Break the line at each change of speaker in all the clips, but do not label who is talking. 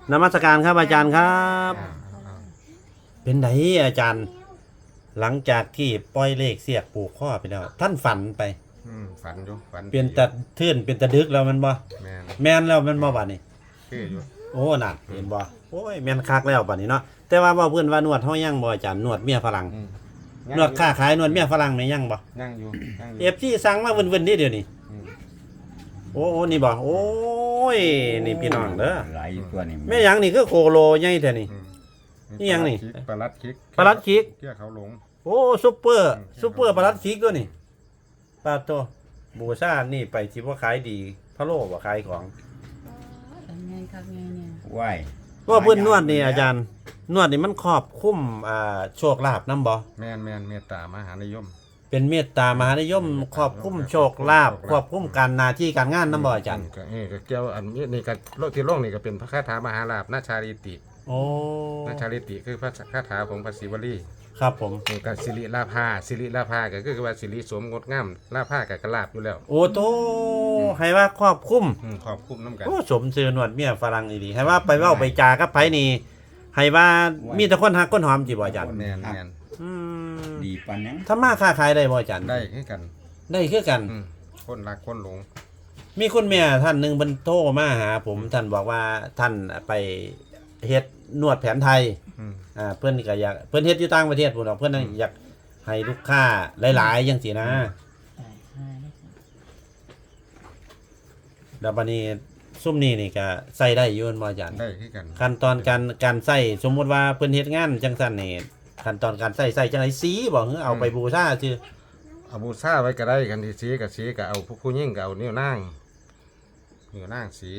นมัสการครับอาจารย์ครับ เป็นไงอาจารย์ หลังจากที่ปล่อยเลขเสียกผูกข้อไปแล้วท่านฝันไป
ฝันอยู่ฝัน
เป็นตะทื่นเป็นตะดึกแล้วมันบ่แม่นแล้วมันบ่บัดนี้
คืออยู่
โอ้น่ะเห็นบ่โอ้ยแม่นคักแล้วบัดนี้เนาะแต่ว่าเพิ่นว่านวดเฮายังบ่อาจารย์นวดเมียฝรั่งนวดค้าขายนวดเมียฝรั่งนี่ยังบ่
ยังอยู่
FCสั่งมาเวินๆนี่เดี๋ยวนี้โอ้นี่บ่โอ้ยนี่พี่น้องเด้อ
หลายตัวนี่
แม่หยังนี่คือโคโลใหญ่แท้นี่นี่หยังนี่
ปลาลัดคิกเกี่ยเขาหลง
โอ้ซุปเปอร์ปลาลัดคิกตัวนี่ปลาโตบูชานี่ไปที่ว่าขายดีพะโล้บ่ขายของ
ไงครับไงเนี่ย
ว้าย
ว่าเพิ่นนวดนี่อาจารย์นวดนี่มันครอบคลุมโชคลาภนำบ่
แม่นเมตตามหานิยม
เป็นเมตตามหานิยมครอบคลุมโชคลาภครอบคลุมการหน้าที่การงานนำบ่อาจารย์
ก็เกี่ยวอันนี้นี่ก็โลกที่โลกนี่ก็เป็นพระคาถามหาลาภนาชาลิติ
โอ้
นาชาลิติคือพระคาถาของพระศิวลี
ครับผม
นี่ก็สิริลาภาก็คือว่าสิริสมงดงามลาภาก็กระลาบอยู่แล้ว
โอ้โตให้ว่าครอบคลุม
นำกัน
โอ้สมชื่อนวดเมียฝรั่งอีหลีให้ว่าไปเว้าไปจากับไผนี่ให้ว่ามีแต่คนฮักคนหอมจิบ่อาจารย์
แม่น
ดีปานยัง
ทำมาค้าขายได้บ่อาจารย์
ได้คือกัน
ได้คือกัน
คนรักคนหลง
มีคุณแม่ท่านหนึ่งเพิ่นโทรมาหาผมท่านบอกว่าท่านไปเฮ็ดนวดแผนไทยเพิ่นก็อยากเพิ่นเฮ็ดอยู่ต่างประเทศพุ่นเนาะเพิ่นอยากให้ลูกค้าหลายๆจังซี่นะแล้วบัดนี้ซุ่มนี้นี่ก็ใส่ได้อยู่บ่อาจารย์
ได้คือกัน
ขั้นตอนการใส่สมมุติว่าเพิ่นเฮ็ดงานจังซั่นนี่ขั้นตอนการใส่จังได๋สีบ่หรือเอาไปบูชาซื่อ
เอาบูชาไว้ก็ได้กันที่สีก็เอาผู้หญิงก็เอานิ้วนางสี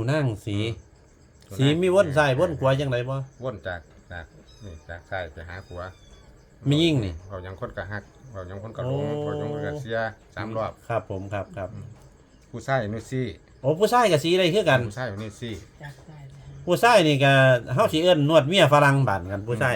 สีมีวนซ้ายวนขวาจังไดบ่
วนจากซ้ายไปหาขวา
มียิ่งนี่
เขายังคนก็ฮักเขายังคนก็หลงเขายังก็เสีย3รอบ
ครับผมครับ
ผู้ชายนี่สิ
โอ้ผู้ชายก็สีได้คือกัน
ผู้ชายนี่สิ
ผู้ชายนี่ก็เฮาสิเอิ้นนวดเมียฝรั่งบ้านกันผู้ชาย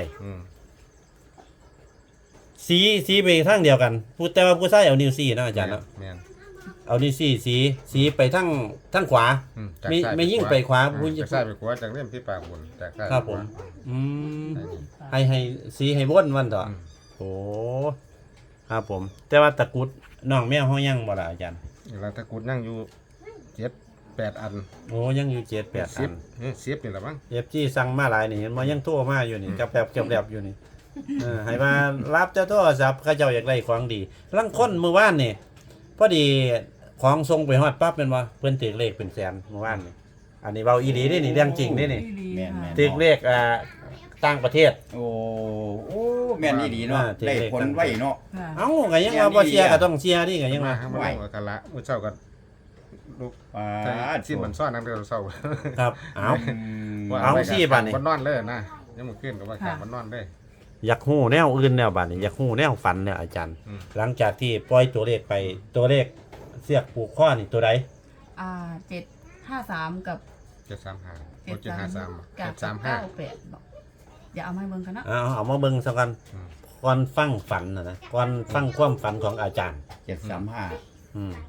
สีไปทางเดียวกันแต่ว่าผู้ชายเอานิ้วซี่เนาะอาจารย์เนาะ
แม่น
เอานิ้วซี่สีไปทางขวาไม่ยิ่งไปขวา
ผู้จากซ้ายไปขวาจากเล่มที่ปากบนจากซ้าย
ครับผมให้สีให้วนวันต่อโอ้ครับผมแต่ว่าตะกุดน้องแมวเฮายังบ่ล่ะอาจารย์
แล้วตะกุดนั่งอยู่7-8 อัน
โอ้ยังอยู่7-8 อัน
10นี่ล่ะมั้ง
FG สั่งมาหลายนี่เห็นบ่ยังโทรมาอยู่นี่กับแบบอยู่นี่ให้มารับเจ้าโทรศัพท์เขาเจ้าอยากได้ของดีลังคนมื้อวานนี่พอดีของส่งไปฮอดปั๊บเป็นว่าเพิ่นถือเลขเป็นแสนเมื่อวานนี่อันนี้เว้าอีหลีนี่เรื่องจริงนี่ถือเลขต่างประเทศ
โอ้แม่นอีหลีเนาะได้ผลไว้เนาะ
เอ้าก็ยังว่าบ่เชียร์ก็ต้องเชียร์นี่ก็ยังว่า
ไว้กันละมื้อเช้าก็ลูกที่มันซ่อนนำเด้อเช้า
ครับเอาสิบัดนี้
บ่นอนเลยนะยังมื้อคืนก็ว่าบ่นอนเลย
อยากฮู้แนวอื่นแนวบัดนี้อยากฮู้แนวฝันเนี่ยอาจารย์หลังจากที่ปล่อยตัวเลขไปตัวเลขเสียกผูกข้อนี่ตัวใด
753กับ
735
735บอกอย่าเอามาเบิ่งกันนะ
เอามาเบิ่งซะกันก่อนฟังฝันนะก่อนฟังความฝันของอาจารย์
735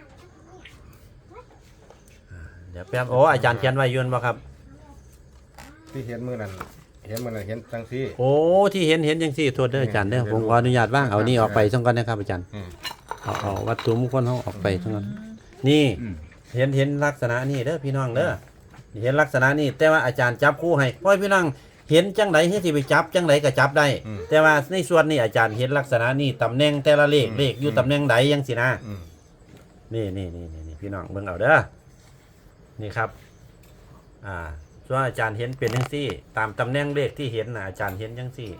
เดี๋ยวแป๊บโอ้อาจารย์เขียนไว้ยุ่นบ่ครับ
ที่เห็นมื้อนั้นเห็นจังซี่
โอ้ที่เห็นจังซี่โทษเด้ออาจารย์เด้อผมขออนุญาตว่างเอานี่ออกไปซะก่อนนะครับอาจารย์เอาวัตถุมงคลเฮาออกไปซะก่อนนี่เห็นลักษณะนี้เด้อพี่น้องเด้อเห็นลักษณะนี้แต่ว่าอาจารย์จับคู่ให้พ่อพี่น้องเห็นจังไดเฮ็ดสิไปจับจังไดก็จับได้แต่ว่าในส่วนนี้อาจารย์เห็นลักษณะนี้ตำแหน่งแต่ละเลขอยู่ตำแหน่งใดจังซี่นะนี่พี่น้องเบิ่งเอาเด้อนี่ครับส่วนอาจารย์เห็นเป็นจังซี่ตามตำแหน่งเลขที่เห็นน่ะอาจารย์เห็นจังซี่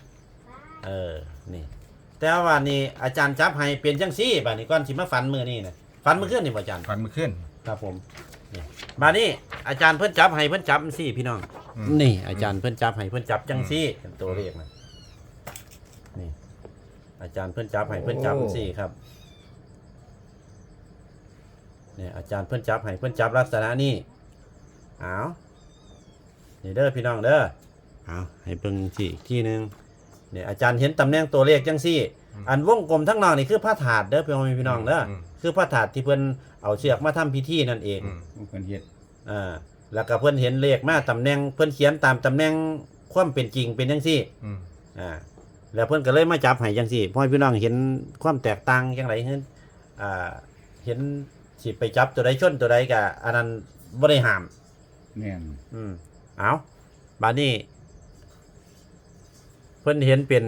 นี่แต่ว่านี่อาจารย์จับให้เป็นจังซี่บัดนี้ก่อนสิมาฝันมื้อนี้น่ะฝันมื้อคืนนี่บ่อาจารย์
ฝันมื้อคืน
ครับผมนี่บัดนี้อาจารย์เพิ่นจับให้เพิ่นจับจังซี่พี่น้องนี่อาจารย์เพิ่นจับให้เพิ่นจับจังซี่เป็นตัวเลขน่ะนี่อาจารย์เพิ่นจับให้เพิ่นจับจังซี่ครับนี่อาจารย์เพิ่นจับให้เพิ่นจับลักษณะนี้นี่เด้อพี่น้องเด้อให้เบิ่งสิอีกทีนึงนี่อาจารย์เห็นตำแหน่งตัวเลขจังซี่อันวงกลมทั้งนอกนี่คือพระธาตุเด้อพี่น้องเด้อคือพระธาตุที่เพิ่นเอาเชือกมาทำพิธีนั่นเอง
เพิ่นเฮ็ด
แล้วก็เพิ่นเห็นเลขมาตำแหน่งเพิ่นเขียนตามตำแหน่งความเป็นจริงเป็นจังซี่ แล้วเพิ่นก็เลยมาจับให้จังซี่พ่อพี่น้องเห็นความแตกต่างจังไดเฮ็ดเห็นสิไปจับตัวใดชนตัวใดก็อันนั้นบ่ได้ห้าม
แม่น
เอาบัดนี้เพิ่นเห็นเป็น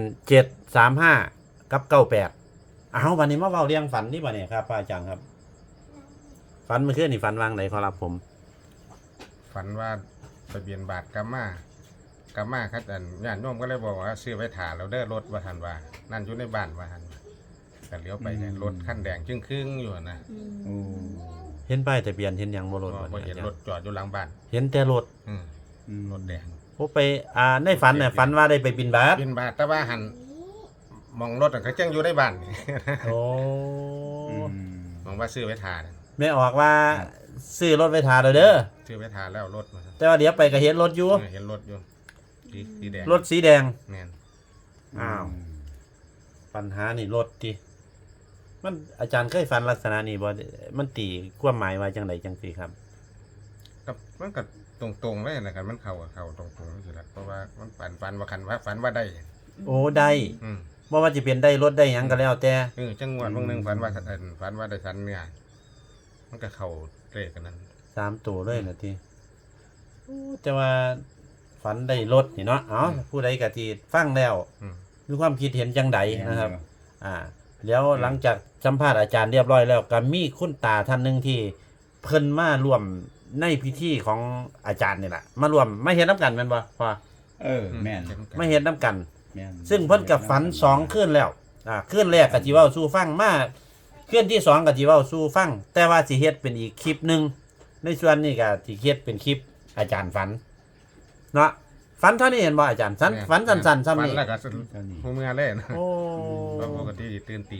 735กับ98เอาบัดนี้มาเว้าเรื่องฝันนี่บัดนี้ครับอาจารย์ครับฝันเมื่อคืนนี่ฝันวางไหนขอรับผม
ฝันว่าไปเบียนบาทกามาครับอันญาติโยมก็เลยบอกว่าซื้อไว้ถ่าแล้วเด้อรถว่าทันว่านั่นอยู่ในบ้านว่าทันก็เลี้ยวไปเนี่ยรถคันแดงครึ่งๆอยู่นะ
โอ้
เห็นป้ายทะเบียนเห็นหยังบ่รถ
บ่เห็นรถจอดอยู่หลังบ้าน
เห็นแต่รถ
รถแดง
โอ้ไปในฝันน่ะฝันว่าได้ไปบิณฑบาต
เบียนบาทแต่ว่าหันมองรถก็จังอยู่ในบ้านนี่
โอ้
มองว่าซื้อไว้ถ่า
แม่ออกว่าซื้อรถไว้ทาเด้อ
ซื้อไว้ถ่าแล้วรถมา
แต่ว่าเดี๋ยวไปก็เห็นรถอยู่
เห็นรถอยู่สีแดง
รถสีแดง
แม่น
อ้าวปัญหานี่รถติมันอาจารย์เคยฝันลักษณะนี้บ่มันตีความหมายว่าจังไดจังซี่ครับ
กับมันก็ตรงๆเลยนะครับมันเข้ากับเข้าตรงๆสิล่ะเพราะว่ามันฝันว่าคันว่าฝันว่าได้
โอ้ได้
อืม
บ่ว่าจะเป็นได้รถได้หยังก็แล้วแต่
จังหวัดบางหนึงฝันว่าฝันว่าได้สันเนี่ยมันก็เข้าเลขกันนั้น
3ตัวเลยนะทีโอ้แต่ว่าฝันได้รถนี่เนาะเอ้าผู้ใดก็สิฟังแล้ว
อืม
มีความคิดเห็นจังใดนะครับ แล้วหลังจากสัมภาษณ์อาจารย์เรียบร้อยแล้วก็มีคุณตาท่านหนึงที่เพิ่นมาร่วมในพิธีของอาจารย์นี่แหละมาร่วมไม่เห็นน้ำกันแม่นบ่พ่อ
แม่น
ไม่เห็นน้ำกัน
แม่น
ซึ่งเพิ่นกับฝัน2คืนแล้วคืนแรกก็สิเว้าสู่ฟังมาคืนที่2ก็สิเว้าสู่ฟังแต่ว่าสิเฮ็ดเป็นอีกคลิปหนึงในส่วนนี้ก็สิเฮ็ดเป็นคลิปอาจารย์ฝันเนาะฝันเท่านี้เห็นบ่อาจารย์ฝันสั้นๆซ้ำ
ฝัน
นี่
แล้วก็หูเมื่อเล่น
โอ้
ปกติตื่นตี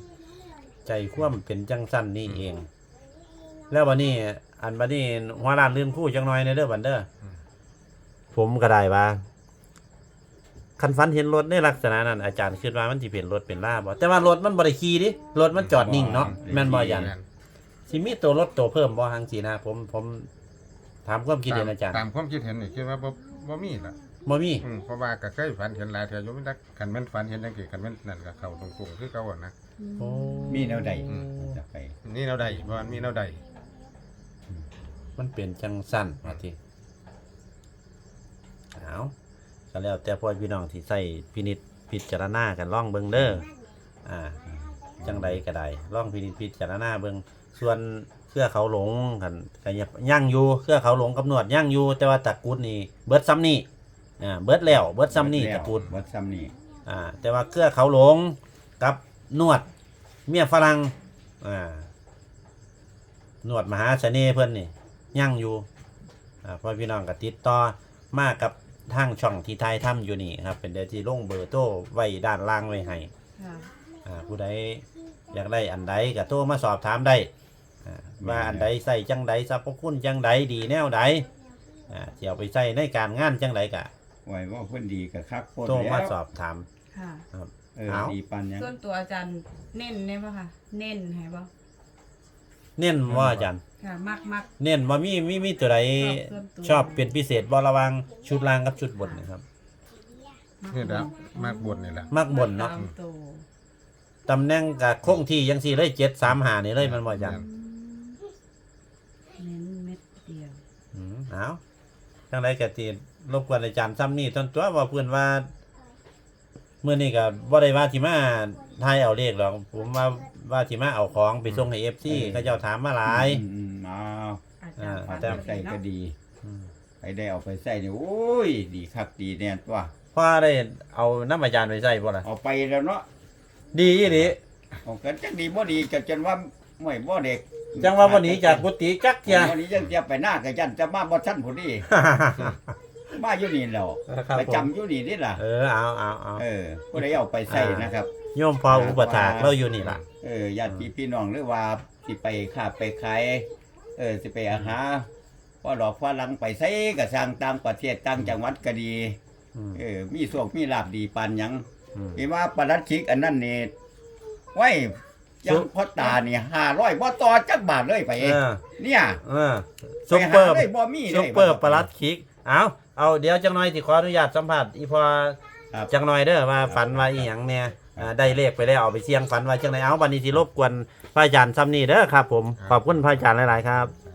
3
ใจความเป็นจังสั้นนี่เอง แล้ววันนี้บัดนี้หัวร้านลืมคู่จังน้อยในเด้อบัดเด้อผมก็ได้ว่าคันฝันเห็นรถในลักษณะนั้นอาจารย์คิดว่ามันสิเป็นรถเป็นลาบ่แต่ว่ารถมันบ่ได้ขี่ดิรถมันจอดนิ่งเนาะแม่นบ่อาจารย์สิมีตัวรถตัวเพิ่มบ่หังสินะผมถามความคิดเห็นอาจารย์
ตามความคิดเห็นนี่คิดว่าบ่มีล่ะ
บ่มี
เพราะว่าก็เคยฝันเห็นหลายเทื่ออยู่มันคันแม่นฝันเห็นจังซี่คันแม่นนั่นก็เข้าตรงๆคือเก่าอะนะ
โอ้
มีแนวใดจะไป
นี่แนวใดเพราะมันมีแนวใด
มันเป็นจังสั้นว่าติเอาก็แล้วแต่พ่อพี่น้องที่ใช้พิจารณากันลองเบิ่งเด้อจังใดก็ได้ลองพิจารณาเบิ่งส่วนเครือเขาหลงกันก็ยังอยู่เครือเขาหลงกับหนวดยังอยู่แต่ว่าตะกรุดนี่เบิดซ้ำนี่เบิดแล้วเบิดซ้ำนี่ตะกรุด
เบิดซ้ำนี่
แต่ว่าเครือเขาหลงกับหนวดเมียฝรั่งหนวดมหาเสน่ห์เพิ่นนี่ยังอยู่เพราะพี่น้องก็ติดต่อมากับทางช่องที่ไทยทำอยู่นี่ครับเป็นเดี๋ยวที่ลงเบอร์โทรไว้ด้านล่างไว้ให้ ผู้ใดอยากได้อันใดก็โทรมาสอบถามได้ว่าอันใดใส่จังใดสรรพคุณจังใดดีแนวใดจะเอาไปใส่ในการงานจังใดก็
ไว้ว่าเพิ่นดีกับคักโพด
โทร
แล้ว
มาสอบถาม
ค่ะ
เอา
ดีปานยัง
ส่วนตัวอาจารย์เน้นได้ป่ะค่ะเน้นให้ป่ะ
เน้นว่าอาจารย์
ค่ะมาก
เน้นว่ามีตัวใดชอบเป็นพิเศษบ่ระหวังชุดล่างกับชุดบนนะครับ
นี่แหละมากบนนี่แหละ
มักบนเนาะ
ตมตัว
ตำแหน่งกับคงที่ยังสี่เลย735นี่เลยมันบ่อาจารย์
เน้นเม็ดเดียว
เอาจังไรก็สิรบกวนอาจารย์ซ้ำนี่ต้นตัวว่าเพื่อนว่าเมื่อนี้ก็บ่ได้ว่าสิมาทายเอาเลขหรอกผมว่าสิมาเอาของไปส่งให้ FC เขาเจ้าถามมาหลาย
เอา
อาจารย์
เอา
ฝัน
แต่
ดี
ใส่
เนาะ
ก็ดีไปได้เอาไปใส่นี่โอ้ยดีคักดีแน่ตัว
พ่อได้เอาน้ำอาจารย์ไปใส่บ่ล่ะ
เอาไปแล้วเนาะ
ดีอีหลี
เอากันจังดีบ่ดีกันจนว่าไม่บ่เด็ก
จังว่าวันนี้จากกุฏิจักเที่ย
วันนี้ยังจะไปหน้ากับยันจะมาบ่ทันผู้นี้มาอยู่นี่แล้ว
ครับ
ไป
ผม
จำอยู่นี่นี่ล่ะ
เอา
ผู้ใดเอาไปใส่นะครับ
โยมพออุปถากเราอยู่นี่ล่ะ
ญาติพี่น้องหรือว่าสิไปค้าไปขายสิไปอาหาพ่อดอกพ่อหลังไปใส่ก็สร้างต่างประเทศต่างจังหวัดก็ดี มีโชคมีลาภดีปานหยัง
อืม
มีว่าปลัดชิกอันนั้นนี่ไว้ยังพ่อตานี่500บ่ต่อจักบาทเลยไป เนี่ย
ซุปเปอร์
ไปหาเลยบ่มีเลย
ซุปเปอร์ปลัดคิกเอาเดี๋ยวจังหน่อยสิขออนุญาตสัมภาษณ์อีพอ
ครับ
จังหน่อยเด้อว่าฝันว่าอีหยังแน่ได้เลขไปแล้วเอาไปเสี่ยงฝันว่าจังไดเอาบัดนี้สิรบกวนพระอาจารย์ซ้ำนี่เด้อครับผมขอบคุณพระอาจารย์หลายๆครับ